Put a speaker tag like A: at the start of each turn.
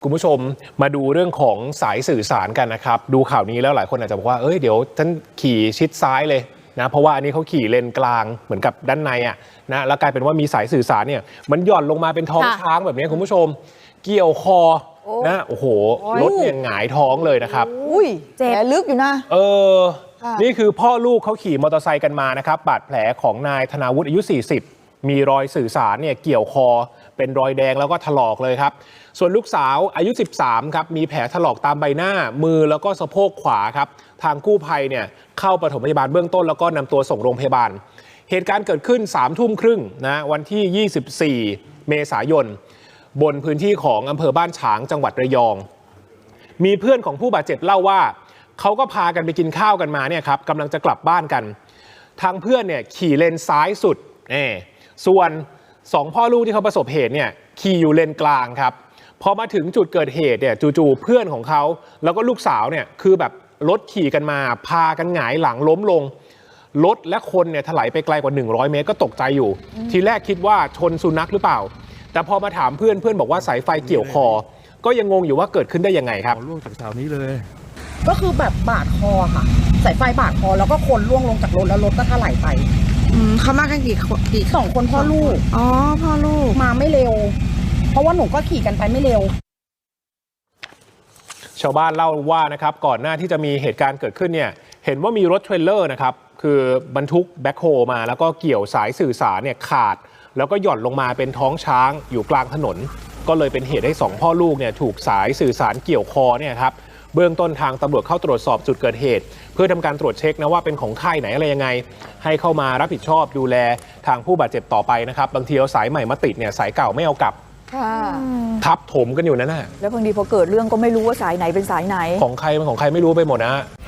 A: คุณผู้ชมมาดูเรื่องของสายสื่อสารกันนะครับดูข่าวนี้แล้วหลายคนอาจจะบอกว่าเดี๋ยวฉันขี่ชิดซ้ายเลยนะเพราะว่าอันนี้เขาขี่เลนกลางเหมือนกับด้านในนะแล้วกลายเป็นว่ามีสายสื่อสารเนี่ยมันหย่อนลงมาเป็นท้องช้างแบบนี้คุณผู้ชมเกี่ยวคอนะโอ้โหรถเนี่ยหงายท้องเลยนะครับ
B: เจ็บลึกอยู่นะ
A: นี่คือพ่อลูกเขาขี่มอเตอร์ไซค์กันมานะครับบาดแผลของนายธนาวุฒิอายุ40มีรอยสื่อสารเนี่ยเกี่ยวคอเป็นรอยแดงแล้วก็ถลอกเลยครับส่วนลูกสาวอายุ13ครับมีแผลถลอกตามใบหน้ามือแล้วก็สะโพกขวาครับทางกู้ภัยเนี่ยเข้าปฐมพยาบาลเบื้องต้นแล้วก็นำตัวส่งโรงพยาบาลเหตุการณ์เกิดขึ้น21:30 น.นะวันที่24เมษายนบนพื้นที่ของอำเภอบ้านฉางจังหวัดระยองมีเพื่อนของผู้บาดเจ็บเล่าว่าเขาก็พากันไปกินข้าวกันมาเนี่ยครับกำลังจะกลับบ้านกันทางเพื่อนเนี่ยขี่เลนซ้ายสุดส่วน2พ่อลูกที่เขาประสบเหตุเนี่ยขี่อยู่เลนกลางครับพอมาถึงจุดเกิดเหตุเนี่ยจู่ๆเพื่อนของเขาแล้วก็ลูกสาวเนี่ยคือแบบรถขี่กันมาพากันหงายหลังล้มลงรถและคนเนี่ยถลายไปไกลกว่า100 เมตรก็ตกใจอยู่ทีแรกคิดว่าชนสุนัขหรือเปล่าแต่พอมาถามเพื่อนบอกว่าสายไฟเกี่ยวคอก็ยังงงอยู่ว่าเกิดขึ้นได้ยังไงครับ
C: ล่วงจากเสานี้เลย
B: ก็คือแบบบาดคอค่ะสายไฟบาดคอแล้วก็คนล่วงลงจากรถแล้วรถก็ถลายไป
D: เขามากันกี่
B: 2 คนพ่อลูก
D: อ๋อพ่อลูก
B: มาไม่เร็วเพราะว่าหนูก็ขี่กันไปไม่เร็ว
A: ชาวบ้านเล่าว่านะครับก่อนหน้าที่จะมีเหตุการณ์เกิดขึ้นเนี่ยเห็นว่ามีรถเทรลเลอร์นะครับคือบรรทุกแบ็คโฮมาแล้วก็เกี่ยวสายสื่อสารเนี่ยขาดแล้วก็หย่อนลงมาเป็นท้องช้างอยู่กลางถนนก็เลยเป็นเหตุให้2พ่อลูกเนี่ยถูกสายสื่อสารเกี่ยวคอเนี่ยครับเบื้องต้นทางตำรวจเข้าตรวจสอบจุดเกิดเหตุเพื่อทำการตรวจเช็คนะว่าเป็นของค่ายไหนอะไรยังไงให้เข้ามารับผิดชอบดูแลทางผู้บาดเจ็บต่อไปนะครับบางทีเอาสายใหม่มาติดเนี่ยสายเก่าไม่เอากลับทับถมกันอยู่นั่นน่ะ
E: แล้วบางทีพอเกิดเรื่องก็ไม่รู้ว่าสายไหนเป็นสายไหน
A: ของใครเป็นของใครไม่รู้ไปหมดนะ